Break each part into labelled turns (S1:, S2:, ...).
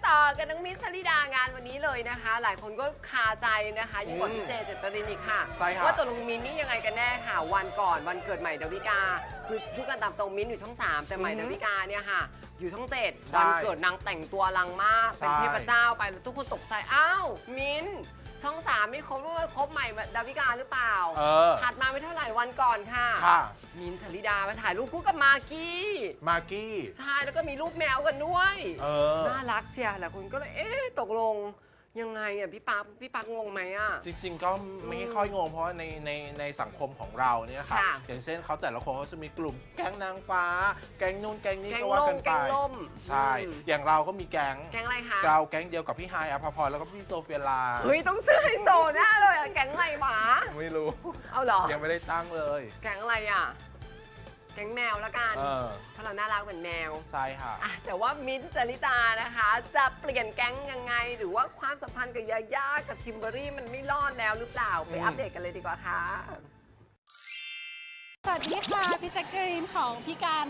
S1: ต่อกันน้องมิ้นท์ชลิดางานวันนี้เลยนะคะ หลายคนก็คาใจนะคะยิ่งกว่าพี่เจเจตรินอีกค่ะว่าตัวลุงมิ้นท์นี่ยังไงกันแน่ค่ะวันก่อนวันเกิดใหม่ดาวิกาคือพูดกันตามตรงมิ้นท์อยู่ช่อง 3แต่ใหม่ดาวิกาเนี่ยค่ะอยู่ช่อง 7วันเกิดนางแต่งตัวลังมากเป็นเทพเจ้าไปแล้วทุกคนตกใจอ้าวมิ้นท์ช่อง 3ไม่ครบด้วยครบใหม่ดาวิกาหรือเปล่าถัดมาไม่เท่าไหร่วันก่อนค่ะมิ้นท์ชลิดามาถ่ายรูปคู่กับมากกี้ใช่แล้วก็มีรูปแมวกันด้วยน่ารักเชียร์หลายคนก็เลยตกลงยังไงอ่ะพี่ปักงงไหมอ่ะ
S2: จริงๆก็ไม่ค่อยงงเพราะว่าในสังคมของเราเนี่ยค่ะอย่างเช่นเขาแต่ละคนเขาจะมีกลุ่มแก๊งนางฟ้าแก๊งนู่นแก๊งนี้ก็ว่ากันไปใช่อย่างเราก็มีแก๊ง
S1: อะไรคะ
S2: เราแก๊งเดียวกับพี่ไฮอภพรแล้วก็พี่โซเฟียลา
S1: เฮ้ยต้องซื้อไฮโซแน่เลยอ่ะแก๊งอะไรหมา
S2: ไม่รู้
S1: เอาเหรอ
S2: ยังไม่ได้ตั้งเลย
S1: แก๊งอะไรอ่ะแก๊งแมวละกันเพราะเราน่ารักเหมือนแมว
S2: ใช่ค่ะ
S1: แต่ว่ามิ้นท์ชลิดานะคะจะเปลี่ยนแก๊งยังไงหรือว่าความสัมพันธ์กับยาย่ากับคิมเบอรรี่มันไม่รอดแล้วหรือเปล่าไปอัปเดตกันเลยดีกว่าค่ะ
S3: สวัสดีค่ะพี่แจ็คเกอรีนของพี่กัน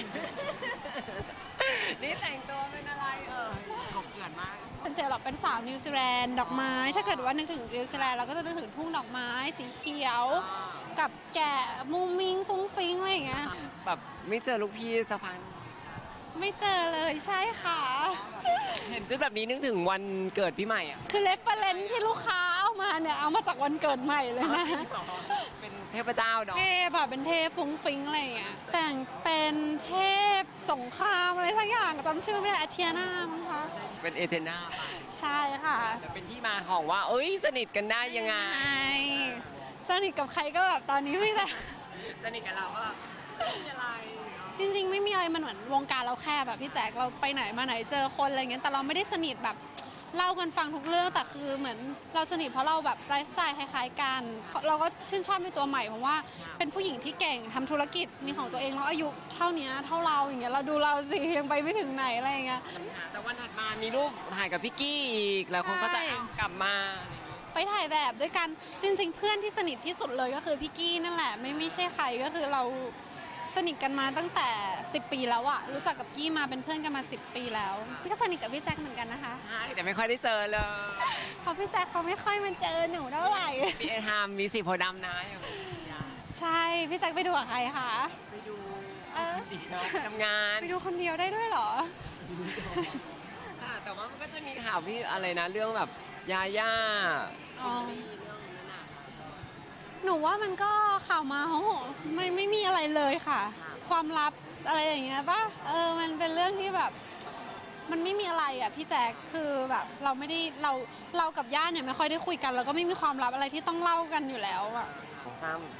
S1: นี่แต่งตัวเป็นอะไรกบเกลื่อนมาก
S3: เป็นเซลล์เป็นสาวนิวซีแลนด์ดอกไม้ถ้าเกิดว่านึกถึงนิวซีแลนด์เราก็จะนึกถึงทุ่งดอกไม้สีเขียวกับแกะมุ้งมิ้งฟุ้งฟิ้งอะไรอย่างเงี้ย
S1: แบบไม่เจอลูกพี่สักพัก
S3: ไม่เจอเลยใช่ค่ะ
S1: เห็นชุดแบบนี้นึกถึงวันเกิดพี่ใหม่อ่ะ
S3: คือเรฟเฟอเรนซ์ที่ลูกค้าเอามาเนี่ยเอามาจากวันเกิดใหม่เลยนะ
S1: เป็นเทพเจ้าเนาะ
S3: เทพแบบเป็นเทพฟุ้งฟิ้งอะไรอย่างเงี้ยแต่งเป็นเทพสงครามอะไรสักอย่างจำชื่อไม่ได้อาเทียนามั้งคะ
S1: เป็นเอเธนา
S3: ใช่ค่ะ
S1: แต่เป็นที่มาของว่าสนิทกันได้ยังไง
S3: สนิทกับใครก็แบบตอนนี้ไม่ได้
S1: สนิทกับเราก็ไม่มีอะไร
S3: จริงๆไม่มีอะไรมันเหมือนวงการเราแคบแบบพี่แจ๊คเราไปไหนมาไหนเจอคนอะไรเงี้ยแต่เราไม่ได้สนิทแบบเล่ากันฟังทุกเรื่องแต่คือเหมือนเราสนิทเพราะเราแบบไลฟ์สไตล์คล้ายๆกันเราก็ชื่นชอบในตัวใหม่เพราะว่าเป็นผู้หญิงที่เก่งทำธุรกิจมีของตัวเองแล้วอายุเท่านี้เท่าเราอย่างเงี้ยเราดูเราสิยังไปไม่ถึงไหนอะไรเงี้ย
S1: แต่วันถัดมามีรูปถ่ายกับพี่กี้อีกแล้วคนก็จะกลับมา
S3: ไปถ่ายแบบด้วยกันจริงๆเพื่อนที่สนิทที่สุดเลยก็คือพี่กี้นั่นแหละไม่ใช่ใครก็คือเราสนิทกันมาตั้งแต่10 ปีแล้วอะรู้จักกับกี้มาเป็นเพื่อนกันมา10 ปีแล้วก็สนิทกับพี่แจ็คเหมือนกันนะคะ
S1: ใช่แต่ไม่ค่อยได้เจอเลย
S3: เพราะพี่แจ็คเขาไม่ค่อยมาเจอหนูเท่าไหร่
S1: พี่ทำมีสีโพดำนะ
S3: ใช่พี่แจ็คไปดูกับใครคะ
S1: ไปดูทำงาน
S3: ไปดูคนเดียวได้ด้วยเหรอ
S1: แต่ว่ามันก็จะมีข่าวพี่อะไรนะเรื่องแบบยาย่า
S3: หนูว่ามันก็ข่าวมาโอ้โหไม่มีอะไรเลยค่ะความลับอะไรอย่างเงี้ยป่ะมันเป็นเรื่องที่แบบมันไม่มีอะไรอ่ะพี่แจ๊คคือแบบเราไม่ได้เรากับย่าเนี่ยไม่ค่อยได้คุยกันแล้วก็ไม่มีความลับอะไรที่ต้องเล่ากันอยู่แล้วอ่ะ
S1: ของซ้ำ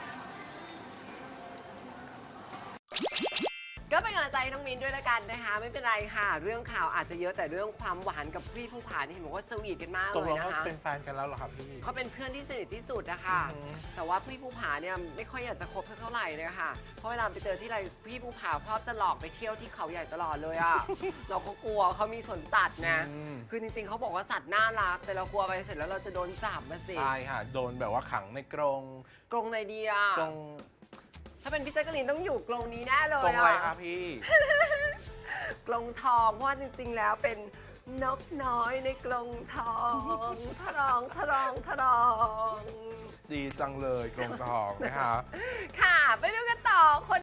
S1: ก็เป็นกำลังใจน้องมิ้นด้วยละกันนะคะไม่เป็นไรค่ะเรื่องข่าวอาจจะเยอะแต่เรื่องความหวานกับพี่ภูผานี่เห็นบอกว่าสวีทกันมากเลยนะคะ
S2: เป็นแฟนกันแล้วเหรอครับพี่
S1: เขาเป็นเพื่อนที่สนิทที่สุดนะคะแต่ว่าพี่ภูผาเนี่ยไม่ค่อยอยากจะคบสักเท่าไหร่เลยค่ะเพราะเวลาไปเจอที่ไรพี่ภูผาชอบจะหลอกไปเที่ยวที่เขาใหญ่ตลอดเลยอ่ะเราก็กลัวเขามีสวนสัตว์นะคือจริงๆเขาบอกว่าสัตว์น่ารักแต่เรากลัวไปเสร็จแล้วเราจะโดนจับมาสิ
S2: ใช่ค่ะโดนแบบว่าขังในกรง
S1: ในเดีย
S2: กรง
S1: ถ้าเป็นพี่แจ๊กกะลีนต้องอยู่กรงนี้แน่เลย
S2: กรงอะไรคะพี่
S1: กรงทองเพราะว่าจริงๆแล้วเป็นนกน้อยในกรงทองทรอง
S2: ดีจังเลยกรงทองนะคะ
S1: ค่ะไปดูกันต่อคน